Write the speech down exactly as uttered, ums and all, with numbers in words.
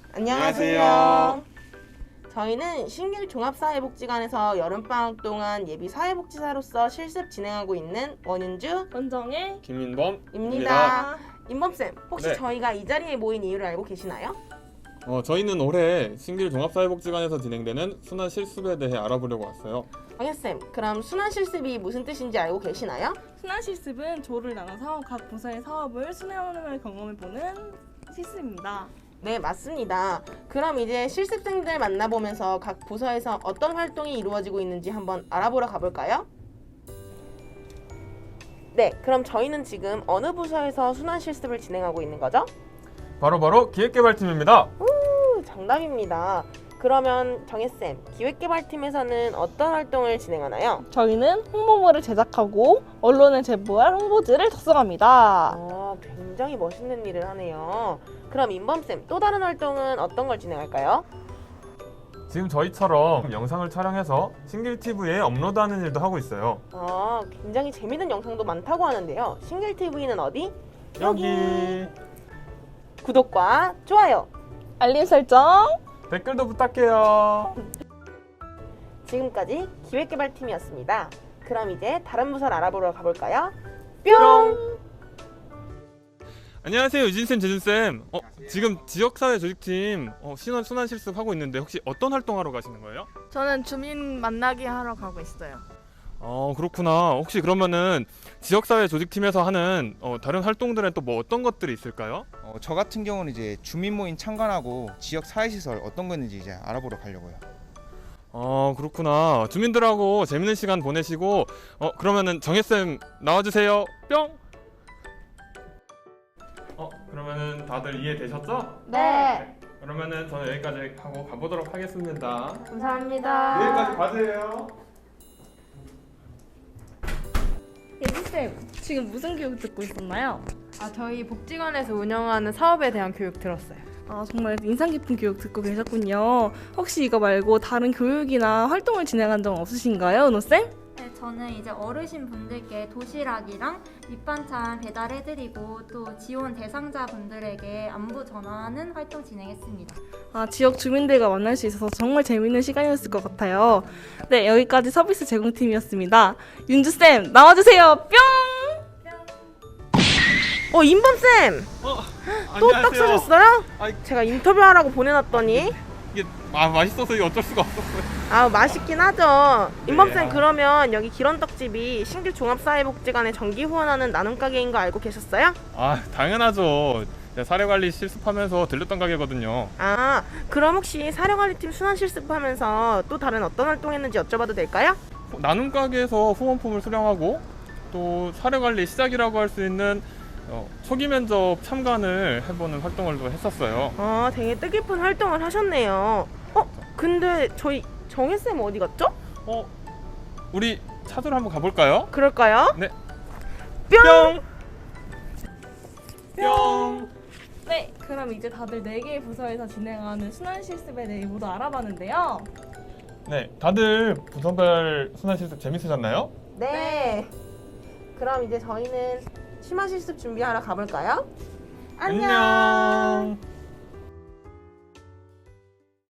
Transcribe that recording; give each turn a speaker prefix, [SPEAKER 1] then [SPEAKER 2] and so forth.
[SPEAKER 1] 안녕하세요.
[SPEAKER 2] 안녕하세요.
[SPEAKER 1] 저희는 신길 종합사회복지관에서 여름방학 동안 예비 사회복지사로서 실습 진행하고 있는 원윤주입니다.
[SPEAKER 2] 원정의
[SPEAKER 3] 김민범입니다.
[SPEAKER 1] 임범쌤, 혹시
[SPEAKER 3] 네.
[SPEAKER 1] 저희가 이 자리에 모인 이유를 알고 계시나요?
[SPEAKER 3] 어, 저희는 올해 신길 종합사회복지관에서 진행되는 순환 실습에 대해 알아보려고 왔어요.
[SPEAKER 1] 정혜쌤, 그럼 순환 실습이 무슨 뜻인지 알고 계시나요?
[SPEAKER 2] 순환 실습은 조를 나눠서 각 부서의 사업을 순환하는 걸 경험해보는 실습입니다.
[SPEAKER 1] 네, 맞습니다. 그럼 이제 실습생들 만나보면서 각 부서에서 어떤 활동이 이루어지고 있는지 한번 알아보러 가볼까요? 네, 그럼 저희는 지금 어느 부서에서 순환 실습을 진행하고 있는 거죠?
[SPEAKER 3] 바로바로 기획개발팀입니다.
[SPEAKER 1] 오, 정답입니다. 그러면 정혜쌤, 기획개발팀에서는 어떤 활동을 진행하나요?
[SPEAKER 2] 저희는 홍보물을 제작하고 언론에 제보할 홍보지를 작성합니다.
[SPEAKER 1] 아, 굉장히 멋있는 일을 하네요. 그럼 임범쌤, 또 다른 활동은 어떤 걸 진행할까요?
[SPEAKER 3] 지금 저희처럼 영상을 촬영해서 신길티비에 업로드하는 일도 하고 있어요.
[SPEAKER 1] 아, 굉장히 재밌는 영상도 많다고 하는데요. 신길티비는 어디?
[SPEAKER 3] 여기
[SPEAKER 1] 구독과 좋아요!
[SPEAKER 2] 알림 설정.
[SPEAKER 3] 댓글도 부탁해요.
[SPEAKER 1] 지금까지 기획개발팀이었습니다. 그럼 이제 다른 부서를 알아보러 가볼까요? 뿅!
[SPEAKER 3] 안녕하세요, 유진쌤, 재준쌤. 어, 지금 지역사회 조직팀 어, 신원 순환 실습 하고 있는데 혹시 어떤 활동하러 가시는 거예요?
[SPEAKER 4] 저는 주민 만나기 하러 가고 있어요.
[SPEAKER 3] 어, 그렇구나. 혹시 그러면은 지역사회 조직팀에서 하는 어, 다른 활동들은 또 뭐 어떤 것들이 있을까요?
[SPEAKER 5] 어, 저 같은 경우는 이제 주민 모임 참관하고 지역 사회시설 어떤 거 있는지 이제 알아보러 가려고요.
[SPEAKER 3] 어, 그렇구나. 주민들하고 재밌는 시간 보내시고 어, 그러면은 정혜쌤 나와주세요. 뿅! 어, 그러면은 다들 이해되셨죠?
[SPEAKER 4] 네.
[SPEAKER 3] 그러면은 저는 여기까지 하고 가보도록 하겠습니다.
[SPEAKER 4] 감사합니다.
[SPEAKER 3] 여기까지 봐주세요.
[SPEAKER 2] 예지쌤, 지금 무슨 교육 듣고 있었나요?
[SPEAKER 4] 아, 저희 복지관에서 운영하는 사업에 대한 교육 들었어요.
[SPEAKER 2] 아, 정말 인상 깊은 교육 듣고 계셨군요. 혹시 이거 말고 다른 교육이나 활동을 진행한 적 없으신가요, 은호쌤?
[SPEAKER 6] 네, 저는 이제 어르신 분들께 도시락이랑 밑반찬 배달해드리고 또 지원 대상자 분들에게 안부 전하는 활동 진행했습니다.
[SPEAKER 2] 아, 지역 주민들과 만날 수 있어서 정말 재밌는 시간이었을 것 같아요. 네, 여기까지 서비스 제공팀이었습니다. 윤주쌤, 나와주세요. 뿅!
[SPEAKER 1] 어, 임범쌤!
[SPEAKER 3] 어,
[SPEAKER 1] 또 딱 서셨어요?
[SPEAKER 3] 아이.
[SPEAKER 1] 제가 인터뷰하라고 보내놨더니
[SPEAKER 3] 이게 아, 맛있어서 이게 어쩔 수가 없었어요.
[SPEAKER 1] 아, 맛있긴 하죠. 임범쌤,
[SPEAKER 3] 네.
[SPEAKER 1] 그러면 여기 기런떡집이 신길 종합사회복지관에 정기 후원하는 나눔 가게인 거 알고 계셨어요?
[SPEAKER 3] 아, 당연하죠. 제가 사례관리 실습하면서 들렸던 가게거든요.
[SPEAKER 1] 아, 그럼 혹시 사령관리팀 순환 실습하면서 또 다른 어떤 활동했는지 여쭤봐도 될까요?
[SPEAKER 3] 나눔 가게에서 후원품을 수령하고 또 사례관리 시작이라고 할 수 있는 어, 초기 면접 참관을 해보는 활동을 또 했었어요.
[SPEAKER 1] 아, 되게 뜻깊은 활동을 하셨네요. 어, 근데 저희 정혜쌤 어디 갔죠?
[SPEAKER 3] 어, 우리 찾으러 한번 가볼까요?
[SPEAKER 1] 그럴까요?
[SPEAKER 3] 네.
[SPEAKER 1] 뿅!
[SPEAKER 3] 뿅!
[SPEAKER 2] 네, 그럼 이제 다들 네 개의 부서에서 진행하는 순환 실습에 대해 모두 알아봤는데요.
[SPEAKER 3] 네, 다들 부서별 순환 실습 재밌으셨나요?
[SPEAKER 1] 네. 그럼 이제 저희는 심화 실습 준비하러 가볼까요? 안녕.
[SPEAKER 3] 안녕.